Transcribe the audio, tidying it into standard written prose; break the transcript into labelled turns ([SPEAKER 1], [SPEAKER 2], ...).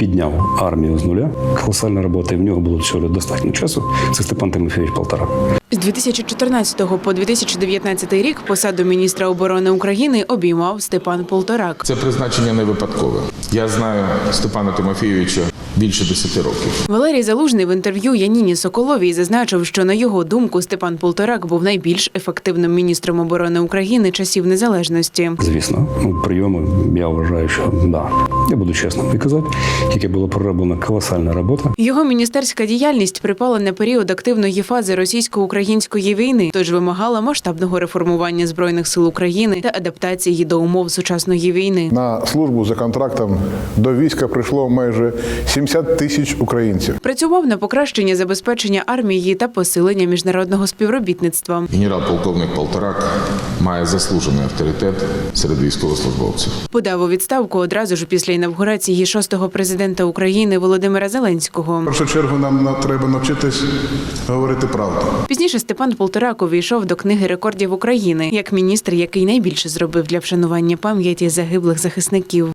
[SPEAKER 1] підняв армію з нуля. Колосальна робота, і в нього було всього достатньо часу. Це Степан Тимофійович Полторак.
[SPEAKER 2] З 2014 по 2019 рік посаду міністра оборони України обіймав Степан Полторак.
[SPEAKER 3] Це призначення не випадкове. Я знаю Степана Тимофійовича більше 10 років.
[SPEAKER 2] Валерій Залужний в інтерв'ю Яніні Соколовій зазначив, що, на його думку, Степан Полторак був найбільш ефективним міністром оборони України часів незалежності.
[SPEAKER 1] Звісно, прийоми, я вважаю, що да. Я буду чесним і казати, тільки була пророблена колосальна робота.
[SPEAKER 2] Його міністерська діяльність припала на період активної фази російсько-української війни, тож вимагала масштабного реформування Збройних сил України та адаптації до умов сучасної війни.
[SPEAKER 4] На службу за контрактом до війська прийшло майже 70 тисяч українців.
[SPEAKER 2] Працював на покращення забезпечення армії та посилення міжнародного співробітництва.
[SPEAKER 3] Генерал-полковник Полторак має заслужений авторитет серед військовослужбовців.
[SPEAKER 2] Подав у відставку одразу ж після інавгурації 6-го президента України Володимира Зеленського.
[SPEAKER 5] В першу чергу нам треба навчитись говорити правду.
[SPEAKER 2] Пізніше Степан Полторак увійшов до книги рекордів України як міністр, який найбільше зробив для вшанування пам'яті загиблих захисників.